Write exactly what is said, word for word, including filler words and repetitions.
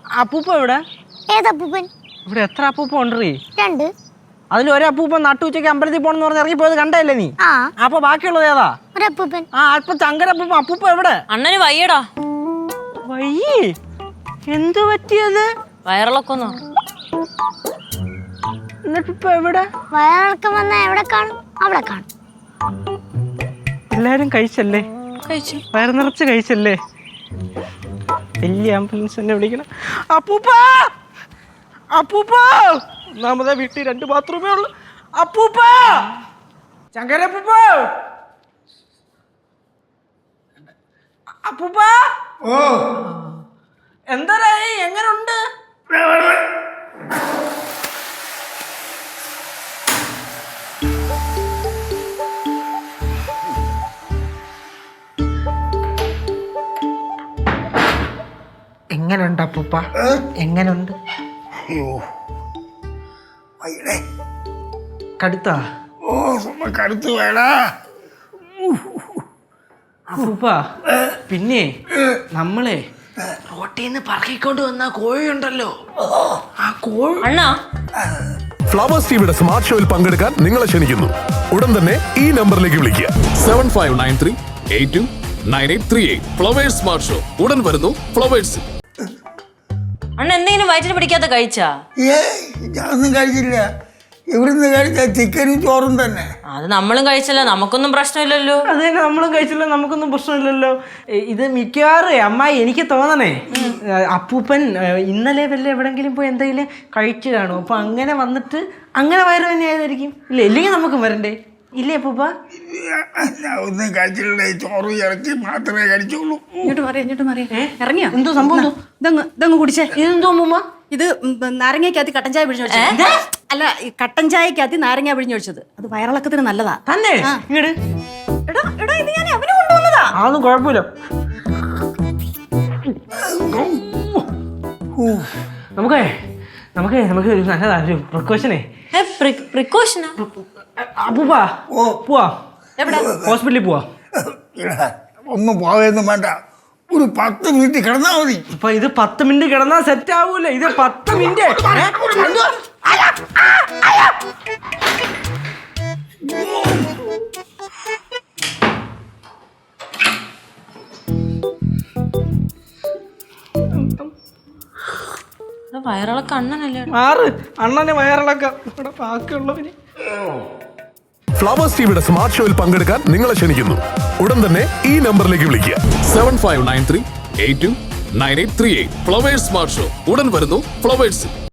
അപ്പൂപ്പ എവിടെ? ഏതപ്പൂപ്പൻ? ഇവിടെ എത്ര അപ്പൂപ്പ ഉണ്ടീ? രണ്ട്. അതിൽ ഒരു അപ്പൂപ്പൻ നട്ടുച്ചയ്ക്ക് അമ്പലത്തിൽ പോണെന്ന് പറഞ്ഞ് ഇറങ്ങി പോയത് കണ്ടല്ലേ നീ? ആ. അപ്പൊ ബാക്കിയുള്ളത് ഏതാ? ഒരപ്പൂപ്പൻ. ആ അപ്പൊ ചങ്കരപ്പൂപ്പ. അപ്പൂപ്പ എവിടെ? അണ്ണന് വയ്യടാ. വയ്യേ? എന്തു പറ്റിയത്? വയറിളക്കൊന്നോ? എന്നിട്ടിപ്പ എവിടെ? വയറിളക്കം വന്നാ എവിടെ കാണും? അവിടെ കാണും. എല്ലാരും കഴിച്ചല്ലേ? കഴിച്ചു. വയറ് നിറച്ച് കഴിച്ചല്ലേ? വലിയ ആംബുലൻസ് തന്നെ വിളിക്കണം. അപ്പൂപ്പ, അപ്പൂപ്പ, ഒന്നാമതെ വീട്ടിൽ രണ്ട് ബാത്റൂമേ ഉള്ളു. അപ്പൂപ്പ, ചങ്കരപ്പൂപ്പ, അപ്പൂപ്പ. ഓ എന്തായി? എങ്ങനുണ്ട്? എങ്ങനുണ്ട് അപ്പൂപ്പ? എങ്ങനുണ്ട്? അയ്യോ വയ്യടേ. കടുത്താ? ഓ സുമ കടുത്തു വേടാ. അപ്പൂപ്പ, പിന്നെ നമ്മളെ റോട്ടീന്ന് പറക്കിക്കൊണ്ട് വന്ന കോഴിയുണ്ടല്ലോ, ആ കോഴി. അണ്ണാ, ഫ്ലവേഴ്സ് ടിവിയുടെ സ്മാർട്ട് ഷോയിൽ പങ്കെടുക്കാൻ നിങ്ങളെ ക്ഷണിക്കുന്നു. ഉടൻ തന്നെ ഈ നമ്പറിലേക്ക് വിളിക്കുക. Seven five nine three eight two nine eight three eight. Flowers smart show ഉടൻ വരുന്നു ഫ്ലവേഴ്സ്. അണ്ണ എന്തെങ്കിലും വയറ്റിന് പിടിക്കാത്ത കഴിച്ചാ? ഏ ഞാനൊന്നും കഴിച്ചില്ല. ഇവിടുന്ന് കഴിച്ച ചിക്കനും ചോറും തന്നെ. അത് നമ്മളും കഴിച്ചല്ല, നമുക്കൊന്നും പ്രശ്നമില്ലല്ലോ. അത് തന്നെ നമ്മളും കഴിച്ചില്ല, നമുക്കൊന്നും പ്രശ്നമില്ലല്ലോ. ഇത് മിക്കവാറും അമ്മായി എനിക്ക് തോന്നണേ അപ്പൂപ്പൻ ഇന്നലെ വല്ല എവിടെങ്കിലും പോയി എന്തെങ്കിലും കഴിച്ചു കാണും. അപ്പൊ അങ്ങനെ വന്നിട്ട് അങ്ങനെ വയറ് തന്നെ ആയതായിരിക്കും. ഇല്ല, ഇല്ലെങ്കിൽ നമുക്ക് വരണ്ടേ? ഇല്ലേ അപ്പൂപ്പ? ഞാൻ ഒന്നും കഴിച്ചില്ല. ചോറും ഇറച്ചി മാത്രമേ കഴിച്ചുള്ളൂ. ഇങ്ങോട്ട് മാറി ഇങ്ങോട്ട് മാറി ഇറങ്ങിയോ? എന്തോ സംഭവം? ഇതങ്ങ് ഇതങ്ങ് കുടിച്ചേ. ഇതെന്തോ അമ്മൂമ്മ? ഇത് നാരങ്ങയ്ക്കകത്ത് കട്ടൻ ചായ പിഴിഞ്ഞൊഴിച്ചത്. അല്ല, ഈ കട്ടൻ ചായക്കകത്ത് നാരങ്ങ പിഴിഞ്ഞൊഴിച്ചത്. അത് വയറിളക്കത്തിന് നല്ലതാ. തന്നെ? ഇങ്ങട് എടാ എടാ ഇത് ഞാൻ അവന് കൊണ്ടുവന്നതാ. അതൊന്നും കുഴപ്പമില്ല. നമുക്കേ നമുക്കേ നമുക്ക് ഒരു നല്ലതാ ഒരു പ്രിക്കോഷനേ. പ്രിക്കോഷനാ? അപ്പൂപ്പ ഓ പോവാ. എവിടെ? ഹോസ്പിറ്റലിൽ പോവാ. എടാ, ഒന്നും പോവുകയൊന്നും വേണ്ട. ഒരു പത്ത് മിനിറ്റ് കിടന്നാ മതി. അപ്പൊ ഇത് പത്ത് മിനിറ്റ് കിടന്നാ സെറ്റ് ആവൂല. ഇത് പത്ത് മിനിറ്റ് വയറിളക്ക അണ്ണനല്ലേ? ആറ് അണ്ണനെ വയറിളക്കാം. ഇവിടെ ബാക്കിയുള്ളവന്. ഫ്ലവേഴ്സ് ടിവിയുടെ സ്മാർട്ട് ഷോയിൽ പങ്കെടുക്കാൻ നിങ്ങളെ ക്ഷണിക്കുന്നു. ഉടൻ തന്നെ ഈ നമ്പറിലേക്ക് വിളിക്കുക. Seven five nine three eight two nine eight three eight. Flowers smart show ഉടൻ വരുന്നു ഫ്ലവേഴ്സ്.